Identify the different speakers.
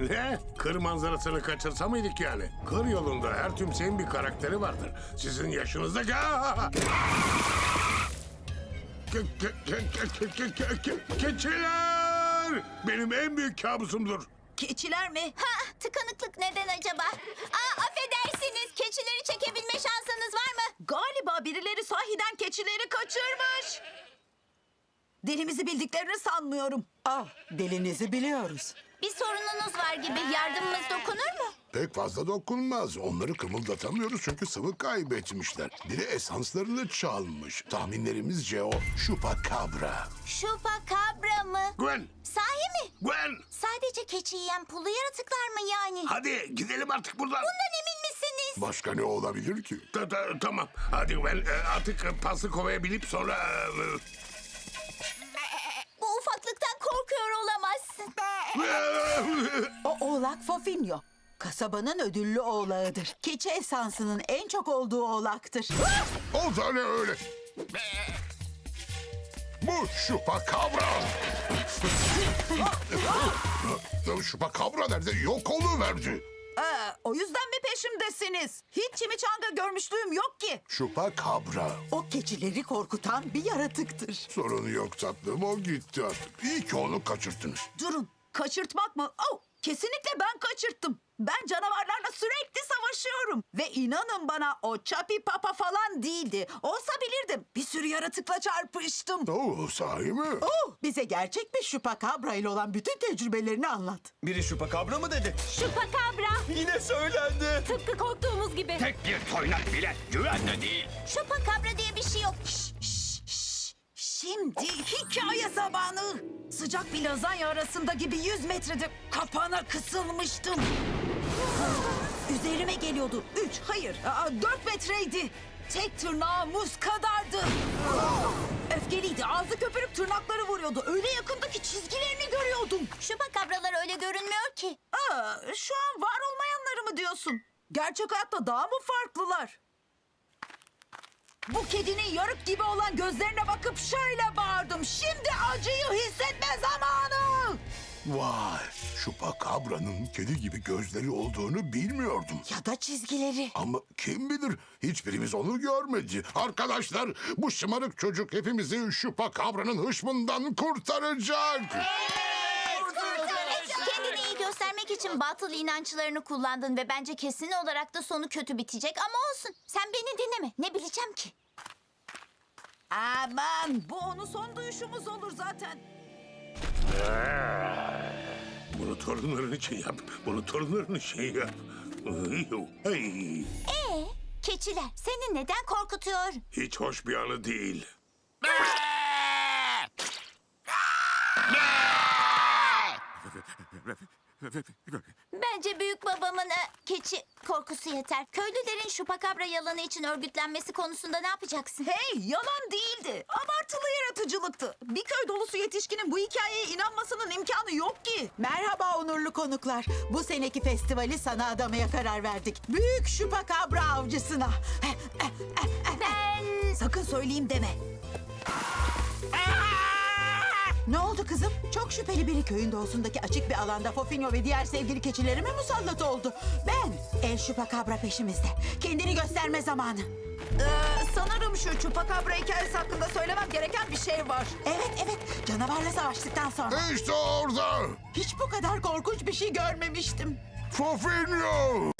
Speaker 1: Ne? Kır manzarasını kaçırsa mıydık yani? Kır yolunda her tümseyin bir karakteri vardır. Sizin yaşınızdaki... Keçiler! Benim en büyük kabusumdur.
Speaker 2: Keçiler mi?
Speaker 3: Ha, tıkanıklık neden acaba? Affedersiniz, keçileri çekebilme şansınız var mı?
Speaker 2: Galiba birileri sahiden keçileri kaçırmış. Dilimizi bildiklerini sanmıyorum.
Speaker 4: Ah, dilinizi biliyoruz.
Speaker 3: Bir sorununuz var gibi, yardımımız dokunur mu?
Speaker 5: Pek fazla dokunmaz. Onları kımıldatamıyoruz çünkü sıvı kaybetmişler. Biri esanslarını çalmış. Tahminlerimizce o Chupacabra.
Speaker 3: Chupacabra mı?
Speaker 1: Gwen!
Speaker 3: Sahi mi?
Speaker 1: Gwen!
Speaker 3: Sadece keçi yiyen pullu yaratıklar mı yani?
Speaker 1: Hadi gidelim artık buradan.
Speaker 3: Bundan emin misiniz?
Speaker 5: Başka ne olabilir ki?
Speaker 1: Tamam. Hadi Gwen. Artık paslı kovaya binip sonra...
Speaker 3: Bu ufaklıktan korkuyor olamazsın.
Speaker 4: O oğlak Fofinyo. Kasabanın ödüllü oğlağıdır. Keçi esansının en çok olduğu oğlaktır.
Speaker 5: O da ne öyle? Bu Chupacabra. Chupacabra nerede? Yok oluverdi.
Speaker 2: O yüzden mi peşimdesiniz? Hiç çimiçanga görmüşlüğüm yok ki.
Speaker 5: Chupacabra.
Speaker 4: O keçileri korkutan bir yaratıktır.
Speaker 5: Sorun yok tatlım, o gitti artık. İyi ki onu kaçırttınız.
Speaker 2: Durun, kaçırtmak mı? Oh, kesinlikle ben kaçırttım. Ben canavarlarla sürekli savaşıyorum. Ve inanın bana o Chapi Papa falan değildi. Olsa bilirdim. Bir sürü yaratıkla çarpıştım.
Speaker 5: Oo, sahi mi?
Speaker 4: Oh, bize gerçek bir Chupacabra ile olan bütün tecrübelerini anlat.
Speaker 6: Biri Chupacabra mı dedi?
Speaker 3: Chupacabra.
Speaker 6: Yine söylendi.
Speaker 3: Tıpkı korktuğumuz gibi.
Speaker 7: Tek bir toynak bile güvende değil.
Speaker 3: Chupacabra diye bir şey yok.
Speaker 2: Şimdi hikaye zamanı. Sıcak bir lazanya arasında gibi 100 metrede kapana kısılmıştım. Üzerime geliyordu. 4 metreydi. Tek tırnağı muz kadardı. Öfkeliydi. Ağzı köpürüp tırnakları vuruyordu. Öyle yakında ki çizgilerini görüyordum.
Speaker 3: Chupacabраlar öyle görünmüyor ki.
Speaker 2: Şu an var olmayanları mı diyorsun? Gerçek hayatta daha mı farklılar? Bu kedinin yarık gibi olan gözlerine bakıp şöyle bağırdım. Şimdi acıyı hissetme zamanı.
Speaker 5: Vay, Chupacabra'nın kedi gibi gözleri olduğunu bilmiyordum.
Speaker 4: Ya da çizgileri.
Speaker 5: Ama kim bilir, hiçbirimiz onu görmedi. Arkadaşlar, bu şımarık çocuk hepimizi Chupacabra'nın hışmından kurtaracak.
Speaker 3: Kendini iyi göstermek için batıl inançlarını kullandın ve bence kesin olarak da sonu kötü bitecek ama olsun. Sen beni dinleme. Ne bileceğim ki?
Speaker 2: Aman bu onun son duyuşumuz olur zaten.
Speaker 1: Bunu torunların için yap. Bunu torunların için yap. Hey,
Speaker 3: Keçiler seni neden korkutuyor?
Speaker 1: hiç hoş bir anı değil.
Speaker 3: Bence büyük babamın keçi korkusu yeter. Köylülerin Chupacabra yalanı için örgütlenmesi konusunda ne yapacaksın?
Speaker 2: Hey, yalan değildi. Abartılı yaratıcılıktı. Bir köy dolusu yetişkinin bu hikayeye inanmasının imkanı yok ki.
Speaker 4: Merhaba onurlu konuklar. Bu seneki festivali sana adamaya karar verdik. Büyük Chupacabra avcısına.
Speaker 3: Ben...
Speaker 2: Sakın söyleyeyim deme.
Speaker 4: Ne oldu kızım? Çok şüpheli biri köyün doğusundaki açık bir alanda Fofinyo ve diğer sevgili keçilerime musallat oldu. Ben, El Chupacabra peşimizde. Kendini gösterme zamanı.
Speaker 2: Sanırım şu Chupacabra hikayesi hakkında söylemem gereken bir şey var.
Speaker 4: Evet, canavarla savaştıktan sonra.
Speaker 5: İşte orada.
Speaker 4: Hiç bu kadar korkunç bir şey görmemiştim.
Speaker 5: Fofinyo.